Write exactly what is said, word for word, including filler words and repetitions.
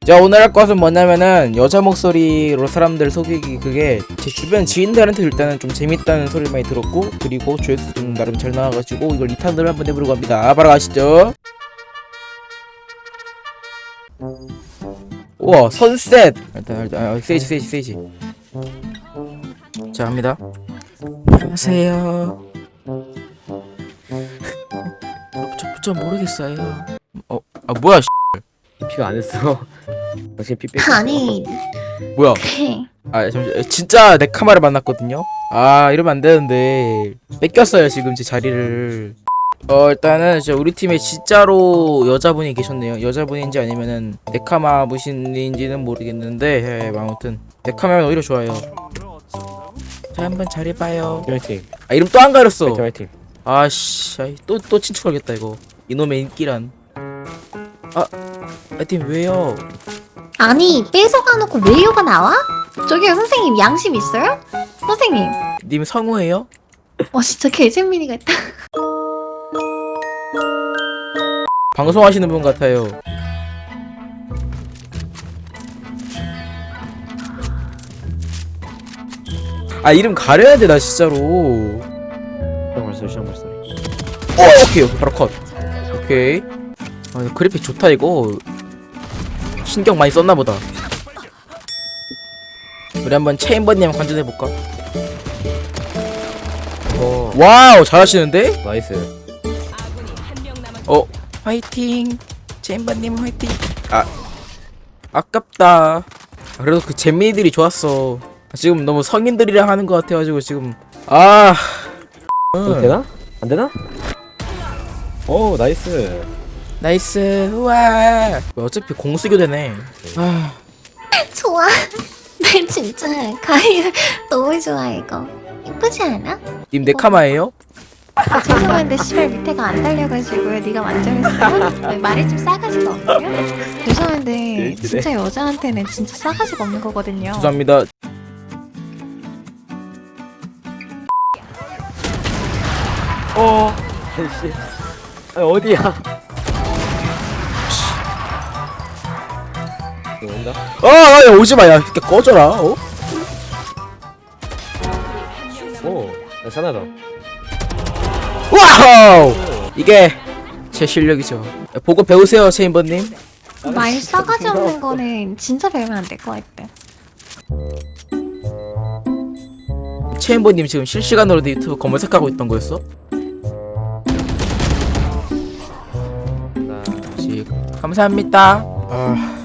자, 오늘 할 것은 뭐냐면은 여자 목소리로 사람들 속이기. 그게 제 주변 지인들한테 일단은 좀 재밌다는 소리를 많이 들었고, 그리고 조회수 좀 나름 잘 나와가지고 이걸 이 탄으로 한번 해보려고 합니다. 바로 가시죠. 우와, 선셋. 일단 일단 아, 세이지 세이지 세이지. 자, 합니다. 안녕하세요. 저, 저 모르겠어요. 어, 아 뭐야? 피가 안 했어. 당신 피 뺏. 아니 뭐야? 아 잠시 진짜 내 카마를 만났거든요. 아 이러면 안 되는데 뺏겼어요 지금 제 자리를. 어 일단은 저 우리 팀에 진짜로 여자분이 계셨네요. 여자분인지 아니면은 네카마 무신인지는 모르겠는데 예, 아무튼 네카마면 오히려 좋아요. 자 한번 잘해봐요. 화이팅. 아 이름 또 안 가렸어. 화이팅 화이팅. 아씨 또또 친추하겠다 이거. 이놈의 인기란. 아 하여튼 왜요? 아니 뺏어가놓고 왜요가 나와? 저기요 선생님 양심 있어요? 선생님 님 성우예요? 와 진짜 개잼민이가 있다. 방송하시는 분 같아요. 아 이름 가려야 돼 나 진짜로. 시장 발소리 시장 발소리. 어 오케이 바로 컷. 오케이. 아 이거 그래픽 좋다 이거. 신경 많이 썼나 보다. 우리 한번 체인버님 관전해 볼까? 어 와우 잘하시는데? 나이스. 어 화이팅. 체인버님 화이팅. 아 아깝다. 아, 그래도 그 잼민이들이 좋았어. 아, 지금 너무 성인들이랑 하는 것 같아가지고 지금 아 어, 되나? 안 되나? 오 나이스. 나이스. 우와 어차피 공수교 되네. 아 좋아. 나 진짜 가이 너무 좋아 이거. 예쁘지 않아? 님 네카마예요? 아, 죄송한데 씨발 밑에가 안 달려가지고요. 네가 만져했어? 말이 좀 싸가지가 없네요. 죄송한데 진짜 여자한테는 진짜 싸가지가 없는 거거든요. 죄송합니다. 어. 아이씨. 아 어디야? 이거 온다. 아, 야, 오지마, 야, 이렇게 꺼져라, 어? 오. 나이스 하나 더. 와우! 이게 제 실력이죠. 야, 보고 배우세요, 체인버님. 말 싸가지 없는 거는 진짜 배우면 안 될 것 같아. 체인버님 지금 실시간으로 유튜브 검색하고 있던 거였어? 나. 다시 감사합니다. 아.